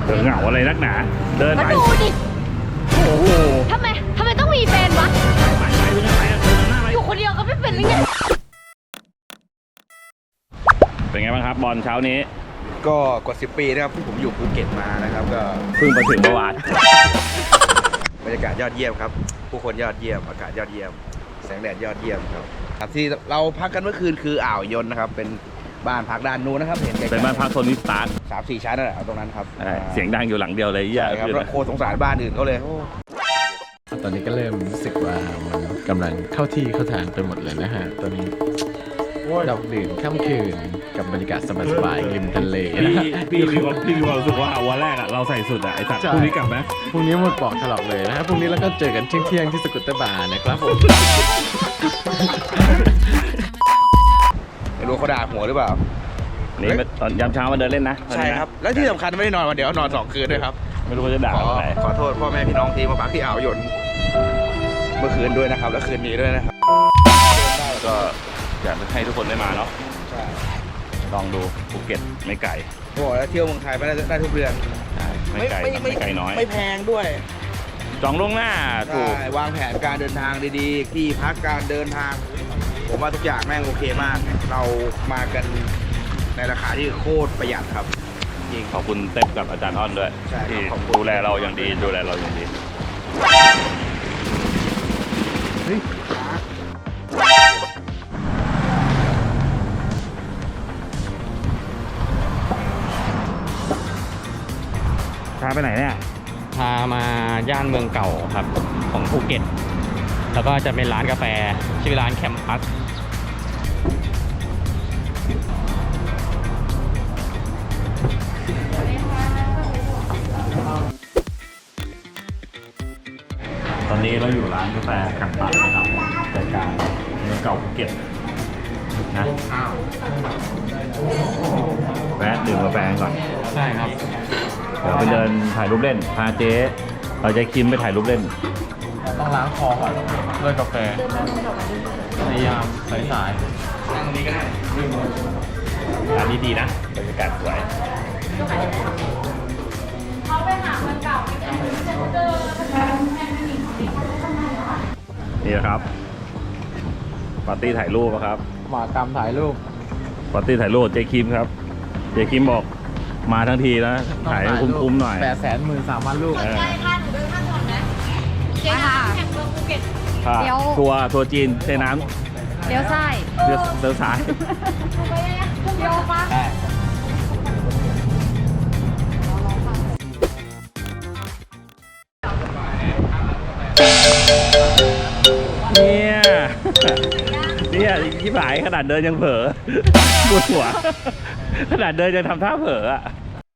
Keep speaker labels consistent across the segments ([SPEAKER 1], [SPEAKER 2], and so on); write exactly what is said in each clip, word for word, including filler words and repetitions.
[SPEAKER 1] เธอเหงาอะไรนักหนาเดิน
[SPEAKER 2] มา
[SPEAKER 1] ไป
[SPEAKER 2] ดูดิ
[SPEAKER 1] โอ้โห
[SPEAKER 2] ทำไมทำไมต้องมีแฟนวะ
[SPEAKER 1] ไปไปไปไปเดินหน้าไป
[SPEAKER 2] อยู่คนเดียวก็ไม่เป็นหรือไง
[SPEAKER 1] เป็นไงบ้างครับบอลเช้านี้
[SPEAKER 3] ก็กว่าสิบปีนะครับที่ผมอยู่ภูเก็ตมานะครับก็
[SPEAKER 1] เพิ่งมาถึงเมื่อวาน
[SPEAKER 3] บรรยากาศยอดเยี่ยมครับผู้คนยอดเยี่ยมอากาศยอดเยี่ยมแสงแดดยอดเยี่ยมครับครับที่เราพักกันเมื่อคืนคืออ่าวยนนะครับเป็นบ้านพักด้านนู้นนะครับเห็นไกลๆ
[SPEAKER 1] เป็นบ้านพักโทนี่สตาร์
[SPEAKER 3] สามสี่ชั้นนั่นแหละเอาตรงนั้นครับ
[SPEAKER 1] เสียงดังอยู่หลังเดียวเลย
[SPEAKER 3] ใช่ครับแล้วโคตรสงสารบ้านอื่นเขาเลยโอ้
[SPEAKER 4] ตอนนี้ก็เริ่มรู้สึกว่ามันกำลังเข้าที่เข้าทางไปหมดเลยนะฮะ ตอนนี้ดอกดื่นค่ำคืนกับบรรยากาศสบายๆริมทะเลนะ
[SPEAKER 1] พี่
[SPEAKER 4] ฮะ
[SPEAKER 1] พี่มีความพี่มีความรู้สึกว่าวันแรกอะเราใส่สุดอะไอสัตว์
[SPEAKER 4] ใช่
[SPEAKER 1] พรุ่งนี้กลับไหม
[SPEAKER 4] พรุ่งนี้หมดปอกถลอกเลยนะฮะพรุ่งนี้เราก็เจอกันเที่ยงๆที่สกุตเตอร์บาร์นะครับผม
[SPEAKER 3] ไม่รู้เขาด่าหัวหรือเปล่า
[SPEAKER 1] นี่มาตอนยามเช้ามาเดินเล่นนะ
[SPEAKER 3] ใช่ครับแล้วที่สำคัญไม่ได้นอนวันเดียวนอนสองคืนด้วยครับ
[SPEAKER 1] ไม่รู้ว่าจะด่า
[SPEAKER 3] ขอ
[SPEAKER 1] อะไร
[SPEAKER 3] ขอโทษพ่อแม่พี่น้องที่มาพักที่อ่าวยนเมื่อคืนด้วยนะครับและคืนนี้ด้วยนะครับ
[SPEAKER 1] ก็อยากให้ทุกคนได้มาเนาะ
[SPEAKER 3] ใช่
[SPEAKER 1] ลองดูภูเก็ตไม่ไกล
[SPEAKER 3] โอ้โหแล้วเที่ยวเมืองไทยไปได้ได้ทุกเดือน
[SPEAKER 1] ไม่ไกลไม่ไกลน้อย
[SPEAKER 3] ไม่แพงด้วย
[SPEAKER 1] จองล่วงหน้าถูก
[SPEAKER 3] ใช่วางแผนการเดินทางดีๆ ที่พักการเดินทาง ผมว่าทุกอย่างแม่งโอเคมาก เรามากันในราคาที่โคตรประหยัดครับจริง
[SPEAKER 1] ขอบคุณเต็ปกับอาจารย์อ้อนด้วย
[SPEAKER 3] ใช่ครับ
[SPEAKER 1] ที่
[SPEAKER 3] ขอบคุณ
[SPEAKER 1] ดูแลเราอย่างดีดูแลเราอย่างดีพาไปไหนเนี่ย
[SPEAKER 5] พามาย่านเมืองเก่าครับของภูเก็ต แล้วก็จะเป็นร้านกาแฟชื่อร้านแคมปัส
[SPEAKER 1] ตอนนี้เราอยู่ร้านกาแฟกังปัดนะครับใจกลางเมืองเก่าภูเก็ตนะแวะดื่มกาแฟก่อน
[SPEAKER 5] ใช่ครับ
[SPEAKER 1] เดี๋ยวไปเดินถ่ายรูปเล่นพาเจ๊เราจะคิมไปถ่ายรูปเล่น
[SPEAKER 5] ต้องล้างคอก่อนด้วยกาแฟในยามสายๆนั่งตรงนี้ก็ได้
[SPEAKER 1] ร้านนี้ดีนะบรรยากาศสวยนี่นะครับปาร์ตี้ถ่ายรูปครับ
[SPEAKER 4] หมากรรมถ่ายรูป
[SPEAKER 1] ปาร์ตี้ถ่ายรูปเจ๊คิมครับเจ๊คิมบอกมาทั้งทีแล้วถ่ายให้คุ้มๆหน่อย
[SPEAKER 4] แปดแสนหมื่นสามพันรูป
[SPEAKER 1] เออ
[SPEAKER 2] ค่ะหนูเดินข้างถนนนะเจ๊ค่ะแข่งเมืองภูเก็ต
[SPEAKER 1] ค่ะ
[SPEAKER 2] เดี๋ยว
[SPEAKER 1] ทัวร์ทัวร์จีนเทน้
[SPEAKER 2] เดี๋ยวซ้าย
[SPEAKER 1] ำเดือเดือสาย
[SPEAKER 2] เดี๋ยวปะ
[SPEAKER 1] เนี่ย เนี่ยที่หายขนาดเดินยังเผลอปวดหัว ขนาดเดินยังทำท่าเผลออะ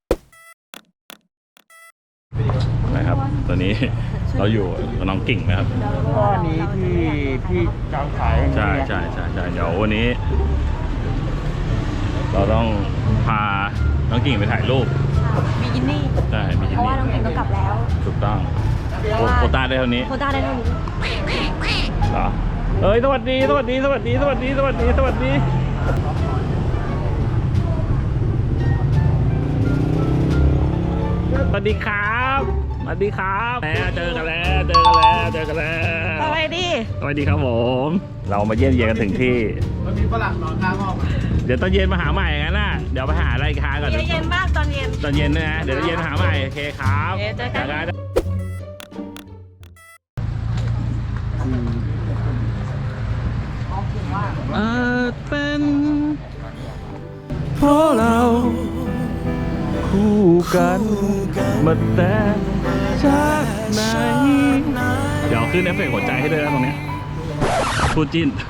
[SPEAKER 1] นะครับตอนนี้เราอยู่กับน้องกิ่งนะครับ
[SPEAKER 3] ก้อนนี้ที่ที่จองขาย
[SPEAKER 1] ใช่ใช่ใช่ใช่เดี๋ยววันนี้ เราต้องพาน้องกิ่งไปถ่ายรูป
[SPEAKER 2] บิกินี่
[SPEAKER 1] ใช่มี
[SPEAKER 2] เพ
[SPEAKER 1] ที่
[SPEAKER 2] ราะว่าน้อง
[SPEAKER 1] นี่
[SPEAKER 2] เก่งก็กลับแล้ว
[SPEAKER 1] ถูกต้องโคโควต้าได้เท่านี้
[SPEAKER 2] โควต้าได้เท่านี้
[SPEAKER 1] เหรอเอ้ยสวัสดีสวัสดีสวัสดีสวัสดีสวัสดีสวัสดีสวัสดีครับสวัสดีครับแล้วเจอกันแล้วเจอกันแล้วเจอกันแล้ว
[SPEAKER 2] สวัสดี
[SPEAKER 1] สวัสดีครับผมเรามาเยี่ยมเยียนกันถึงที่
[SPEAKER 4] มันมีฝรั่งนอนข้างห้อง
[SPEAKER 1] เดี๋ยวตอนเย็นมาหาใหม่งั้นน่ะเดี๋ยวไปหาอะไรทานก่อน
[SPEAKER 2] เย็นๆมากตอนเย็น
[SPEAKER 1] ตอนเย็นนะเดี๋ยวตอนเย็นมาหาใหม่โอเคครับ
[SPEAKER 2] โอเคเจอกัน
[SPEAKER 1] อาจเป็นเพราะเราคู่กันมาแต่จากไหนเดี๋ยวขึ้นเอฟเฟกต์หัวใจให้ด้วยนะตรงเนี้ยคู่จิ้น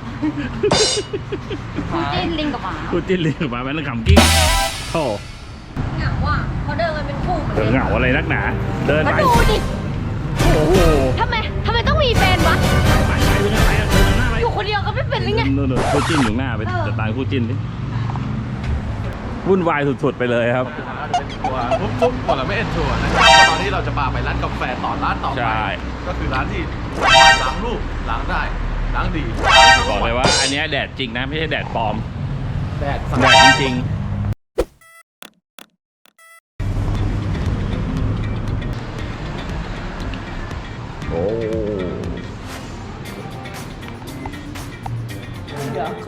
[SPEAKER 2] คู่จิ้นลิงกับหมา
[SPEAKER 1] คู่จิ้นเลยมาแม่นขำกิ้งโธ่
[SPEAKER 2] เหงาอ่ะเขาเดินกันเป็นคู่เหมือน
[SPEAKER 1] เดินเหงาอะไรนักหนาเดิน
[SPEAKER 2] มา
[SPEAKER 1] ไป
[SPEAKER 2] ดูดิ
[SPEAKER 1] โอ้โห
[SPEAKER 2] ทำไมทำไมต้องมีแฟนวะ
[SPEAKER 1] ไปไปไปไปเดินหน้าไป
[SPEAKER 2] อยู่คนเดียวก็ไม่เป็นหรือไง
[SPEAKER 1] นู่นๆคู่จิ้นอยู่หน้าไปจัดการคู่จิ้นดิวุ่นวายสุดๆไปเลยครับ
[SPEAKER 4] อาจจะเป็นทัวร์ปุ๊บๆหมดแล้วไม่เอ็นทัวร์นะครับตอนนี้เราจะพาไปร้านกาแฟต่อร้านต่อ
[SPEAKER 1] ใช่
[SPEAKER 4] ไปก็คือร้านที่สามารถล้างรูปล้างได้ล้างดี
[SPEAKER 1] บอกเลยว่าอันเนี้ยแดดจริงนะไม่ใช่แดดปลอม
[SPEAKER 4] แดด
[SPEAKER 1] แดดจริงๆ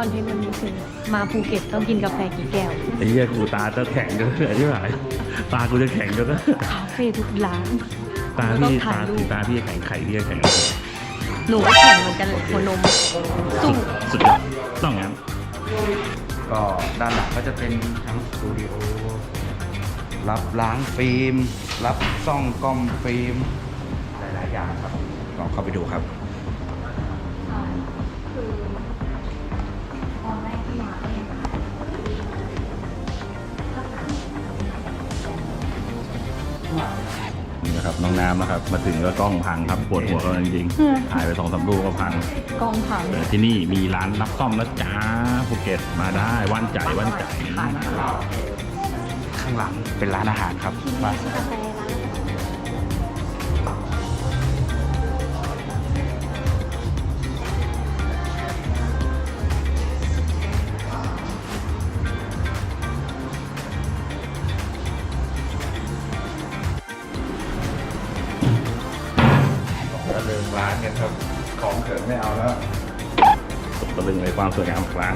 [SPEAKER 2] อนเทนต์วันนี้คือมาภูเก็ตต้องกินกาแฟกี่แก้ว
[SPEAKER 1] ไอ้เหี้ยกูตาจะแข็งจนเหนื่อยที่ไหนตากูจะแข็งจน
[SPEAKER 2] คาเฟ่ทุกร้าน
[SPEAKER 1] ตา
[SPEAKER 2] ต้อ
[SPEAKER 1] พี่
[SPEAKER 2] งถ่า
[SPEAKER 1] ตาย
[SPEAKER 2] รูป
[SPEAKER 1] ตาพี่แข็งไข่พี่แข็ง
[SPEAKER 2] หนูก็แข่งเหมือนกันเลยหัวนมสู้
[SPEAKER 1] สุดยอดต้องงั้น
[SPEAKER 3] ก็ด้านหลังก็จะเป็นทั้งสตูดิโอรับล้างฟิล์ม รับซ่องกล้องฟิล์มหลายๆอย่างครับลองเข้าไปดูครับ
[SPEAKER 1] นี่นะครับน้องน้ำนะครับมาถึงก็กล้องพังครับปวดหัวกันจริงๆถ่ายไปสองสามรูปก็พัง
[SPEAKER 2] กองผัง
[SPEAKER 1] แต่ที่นี่มีร้านรับซ่อมนะจ๊ะภูเก็ตมาได้ว่านใจว่านใจ
[SPEAKER 3] ข้างหลังเป็นร้านอาหารครับมา
[SPEAKER 2] กาแฟร้าน
[SPEAKER 3] ก็เลิกร้านกันครับ ของเกิดไม่เอาแล้ว
[SPEAKER 1] ตะลึงในความสวยงามของร้าน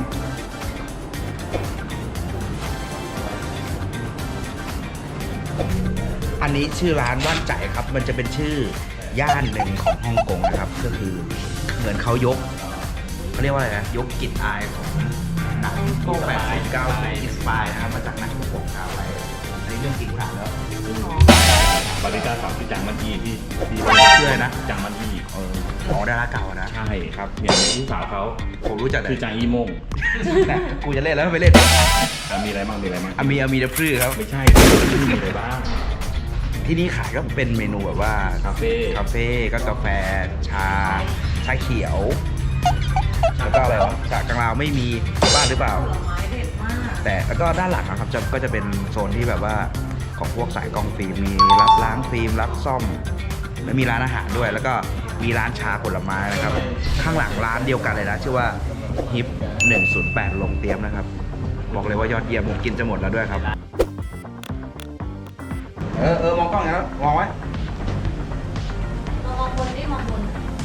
[SPEAKER 3] อันนี้ชื่อร้านว่านใจครับ มันจะเป็นชื่อย่านหนึ่งของฮ่องกงนะครับ ก็คือเหมือนเขายกเขาเรียกว่าอะไรนะ ยกกลิ่นอายของหนังพวกแปดสิบเก้าสิบอินสปายนะครับมาจากหนังฮ่องกงเอาไว้อันนี้เรื่องจริงกูถามแล้ว
[SPEAKER 1] บริการสาวที่จางมันอีที่ที่
[SPEAKER 3] ชื่ออะไรนะ
[SPEAKER 1] จางมันอี
[SPEAKER 3] เอออ๋อดาราเก่าอะนะ
[SPEAKER 1] ใช่ครับเนี่ยเป็นลูกสาวเขา
[SPEAKER 3] ผมรู้จักเลย
[SPEAKER 1] คือจางอีโมง
[SPEAKER 3] นะกูจะเล่นแล้วไม่เล่น
[SPEAKER 1] อ่ะมีอะไรบ้างมีอะไรบ้าง
[SPEAKER 3] อามีอามีเดพรื้ครับ
[SPEAKER 1] ไม่ใช่มีอะไรบ้าง
[SPEAKER 3] ที่นี่ขายก็เป็นเมนูแบบว่า
[SPEAKER 1] คาเฟ่
[SPEAKER 3] คาเฟ่ก็กาแฟชา ชาเขียว แล้วก็อะไรวะชากลางลาวไม่มีบ้านหรือเปล่า แต่แล้วก็ด้านหลังนะครับจะก็จะเป็นโซนที่แบบว่าของพวกสายกล้องฟิล์มมีรับล้างฟิล์มรับซ่อมและมีร้านอาหารด้วย แล้วก็มีร้านชาผลไม้นะครับ ข้างหลังร้านเดียวกันเลยนะชื่อว่าฮิปหนึ่งศูนย์แปดลงเตรียมนะครับ บอกเลยว่ายอดเยี่ยมผมกินจะหมดแล้วด้วยครับ เออเออมองกล้องอย่างนั้นมองไว้
[SPEAKER 2] มองบนดิมองบน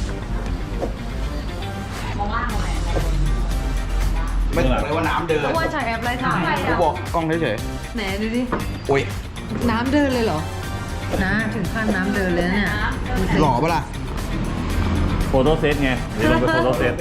[SPEAKER 2] มองล่างมองไหน
[SPEAKER 3] ไม่บอกเลยว่าน้ำเดิน
[SPEAKER 2] เพราะว่าใช้แอปไรถ่าย
[SPEAKER 3] กูบอกกล้องเฉย
[SPEAKER 2] ไหนดูดิ
[SPEAKER 3] ๆโอ้ย
[SPEAKER 2] น้ำเดินเลยเหรอนะถึงขั้นน้ำเดินเลยนะเนี่ย
[SPEAKER 3] หล่อปะล่ะ
[SPEAKER 1] โฟโต้เซตไงเดี๋ยวลงไปโฟโต้เซต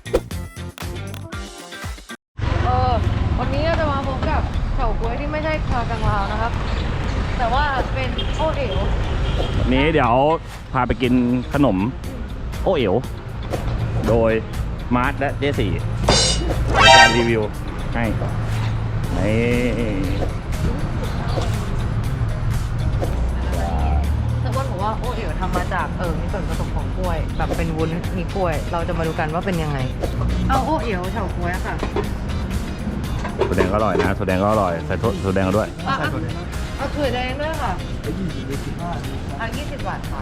[SPEAKER 2] เออวันนี้เราจะมาพบกับเฉาก๊วยที่ไม่ใช่ชากังลาวนะครับ แต่ว่าเป็นโอเอ๋ว
[SPEAKER 1] วันนี้เดี๋ยวพาไปกินขนมโอเอ๋วโดยมาร์ทและเจสี่ในการรีวิวให้นี่
[SPEAKER 2] แต่ว่าบอกว่าโอเอ๋วทำมาจากเออมีส่วนผสมของกล้วย แบบเป็นวุ้นมีกล้วย เราจะมาดูกันว่าเป็นยังไง เอาโอเอ๋วเฉาก๊วยอะค่ะ
[SPEAKER 1] ถั่วแดงก็อร่อยนะถั่วแดงก็อร่อยใส่ถั่วแดงด้วย
[SPEAKER 2] อ่ะอ่ะเอาถั่วแดงด้วยค่ะอ่ะยี่สิบบาทค่ะ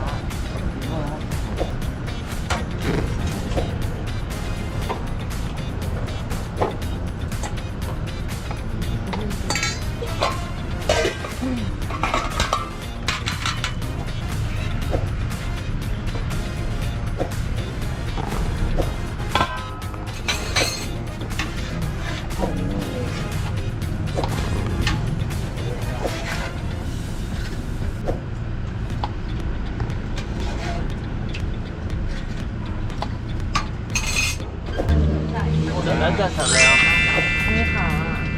[SPEAKER 2] นี่ค่ะ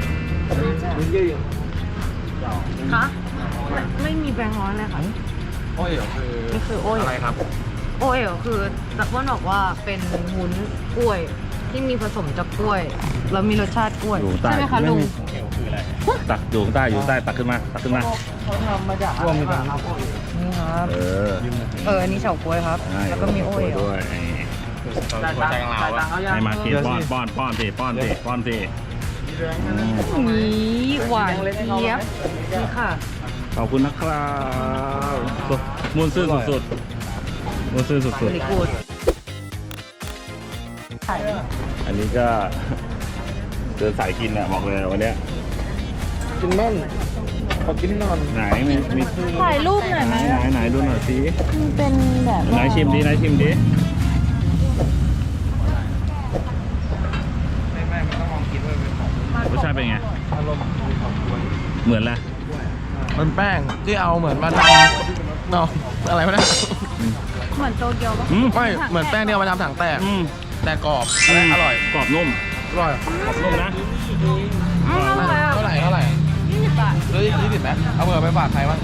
[SPEAKER 2] คะไม่ไม่มีแบงค์ร้อยเลยค่ะ
[SPEAKER 5] โอ้ยคือ
[SPEAKER 2] นี่คือโอเอ๋ว
[SPEAKER 5] อะไรครับ
[SPEAKER 2] โอเอ๋วคือตะว่านบอกว่าเป็นวุ้นกล้วย ที่มีผสมจากกล้วย แล้วมีรสชาติกล้วย
[SPEAKER 1] อยู่ใต้
[SPEAKER 2] ใช่ไหมคะลุง
[SPEAKER 1] ตักอยู่ข้างใต้อยู่ข้างใต้ตักขึ้นมาตักขึ้นมา
[SPEAKER 2] เขาทำมาจากร่วมกันครับนี่ครับ
[SPEAKER 1] เออ
[SPEAKER 2] เอออันนี้เฉาก๊วยครับ
[SPEAKER 1] ใช่
[SPEAKER 2] แล้วก็มีโอเอ๋ว
[SPEAKER 1] ด้วยให้มากินป้อนป้อนป้อนสิป้อนสิป้อนสิ
[SPEAKER 2] นี่หวานเจี๊ยบนี่ค่ะ
[SPEAKER 1] ขอบคุณนะครับมุนซื่อสุดๆมุนซื่อสุด
[SPEAKER 2] บริกูด
[SPEAKER 1] ๆอันนี้ก็เดินสายกินอ่ะบอกเลยวันเนี้ย
[SPEAKER 4] กินบ้างขอกินนอน
[SPEAKER 1] ไหนมีมี
[SPEAKER 2] ถ่ายรูปหน่อย
[SPEAKER 1] ไห
[SPEAKER 2] ไห
[SPEAKER 1] น
[SPEAKER 2] ม
[SPEAKER 1] ไหนไหนดูหน่อยสิ
[SPEAKER 2] มันเป็นแบบ
[SPEAKER 1] ไหนชิมดิไหนชิมดิ
[SPEAKER 3] ไม่ไม่
[SPEAKER 1] สชาติเป็นไงเหมือนแหละ
[SPEAKER 4] มันแป้งที่เอาเหมือนมาทำเนาะอะไรวะเนี่ย
[SPEAKER 2] เหมือนโตเกียวปะ
[SPEAKER 1] อืม
[SPEAKER 4] ไม่เหมือนแป้งที่เอามาทำถังแตก
[SPEAKER 1] อืม
[SPEAKER 4] แต่กรอบและอร่อย
[SPEAKER 1] กรอบนุ่ม
[SPEAKER 4] อร่อย
[SPEAKER 1] กรอบนุ่มนะ
[SPEAKER 2] อืมอร่อยอ่ะ
[SPEAKER 4] เท่าไหร่เท่าไหร่
[SPEAKER 2] ยี่สิบบาท
[SPEAKER 4] ซื้อยี่สิบไหมเอาเบอร์ไปฝากใครบ้าง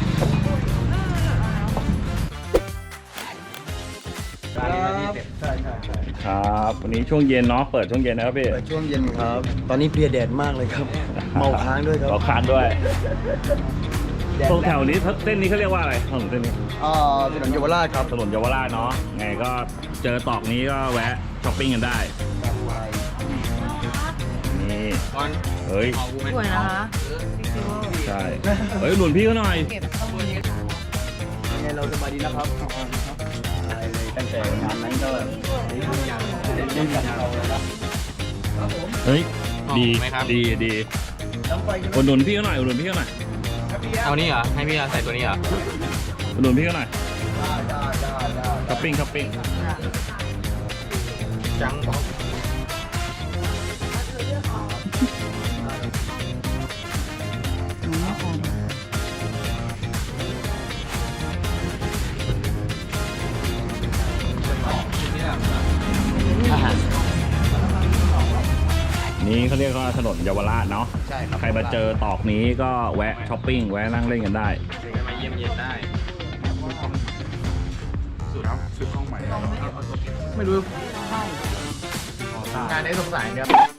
[SPEAKER 1] ครับวันนี้ช่วงเย็นเนาะเปิดช่วงเย็นนะครับพี่
[SPEAKER 6] เปิดช่วงเย็นครับ ตอนนี้เพลียแดดมากเลยครับ เมาค้างด้วยครับ
[SPEAKER 1] เมาค้างด้วยตรงแถวนี้เส้นนี้เขาเรียกว่าอะไรถนนเส้นนี้
[SPEAKER 6] อ่าถนนเยาวราชครับ
[SPEAKER 1] ถนนเยาวราชเนาะไงก็เจอตอกนี้ก็แวะช้อปปิ้งกันได้นี่เฮ้ย
[SPEAKER 2] สวยนะคะ
[SPEAKER 1] ใช่เฮ้ยหนุนพี่เขาหน่อย
[SPEAKER 2] เก็บข้อมูล
[SPEAKER 6] ยังไงเราสบายดีนะครับได้เลยตั้งแต่งานนั้นก็เล่นกับเราเลยครับ
[SPEAKER 1] เฮ้ยดี
[SPEAKER 5] ไหมครับ
[SPEAKER 1] ดีดีอุดหนุนพี่เขาหน่อยอุดหนุนพี่เขาหน่อย
[SPEAKER 5] เอานี่เหรอ ให้พี่ใส่ตัวนี้เหรอ
[SPEAKER 1] อุดหนุนพี่เขาหน่อยช้อปปิ้งช้อปปิ้ง
[SPEAKER 5] จัง
[SPEAKER 1] นี่เขาเรียกว่าถนนเยาวราชเนาะ
[SPEAKER 4] ใช่ครับ
[SPEAKER 1] ใครมาเจอตอกนี้ก็แวะช้อปปิ้งแวะนั่งเล่นกันได้
[SPEAKER 5] มาเยี่ยมเยียนได้
[SPEAKER 4] ไม่รู้งานนี้สงสัยเนี่ย